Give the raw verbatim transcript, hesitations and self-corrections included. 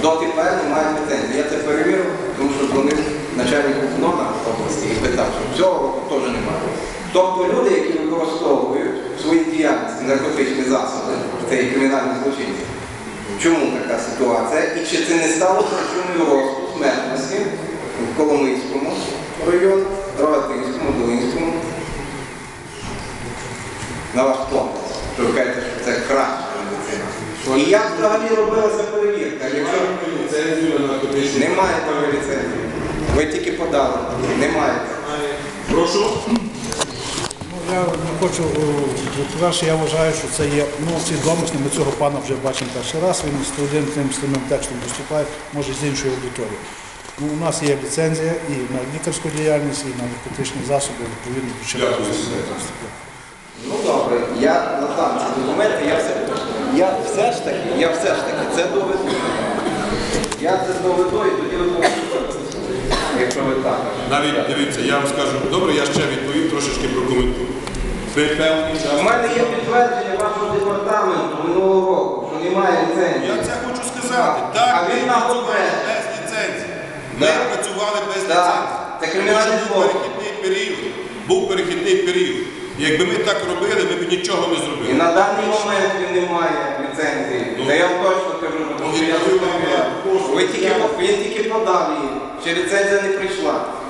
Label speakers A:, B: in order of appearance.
A: дотепер не мають ліцензії. Я це перевірив, тому що дзвонив начальнику КНОНа області і питав, що цього року теж немає. Тобто люди, які використовують в своїй діяльності наркотичні засоби, це і кримінальні злочинці. Чому така ситуація? І чи це не стало причиною росту смертності в Коломийському районі, Рогатинському, Долинському? На ваш погляд, що ви кажете, що це краща медицина. І як взагалі робилася перевірка? Якщо немає такої ліцензії, ви тільки подали, немає.
B: Прошу.
C: Я не хочу, по-перше, я вважаю, що це є ну, свідомість, ми цього пана вже бачимо перший раз, він з один тим самим текстом виступає, може з іншої аудиторії. Ну, у нас є ліцензія і на лікарську діяльність, і на наркотичні засоби, відповідно, до чинного законодавства.
A: Ну добре, я надам ці документи, я все, я все ж таки, я все ж таки це доведу. Я це доведу і тоді ви можете, якщо ви так.
B: Навіть, дивіться, я вам скажу, добре, я ще відповім, трошечки прокоментую. Ви певний час...
A: У мене є підтвердження вашого департаменту минулого року, що немає ліцензії.
B: Я це хочу сказати. Так,
A: А
B: ми
A: він на
B: працювали
A: ГОПЕ.
B: без ліцензії. Ми
A: Так.
B: працювали без
A: Так.
B: ліцензії.
A: Це кримінальний
B: Тому що був
A: злочин.
B: перехідний період. Був перехідний період. І якби ми так робили, ми б нічого не
A: І
B: зробили.
A: на даний момент він не має ліцензії.
B: Ну,
A: Це я вам точно кажу, тому що я
B: ну,
A: зрозумів.
B: ну,
A: Ви тільки, він тільки подав її, ще ліцензія не прийшла.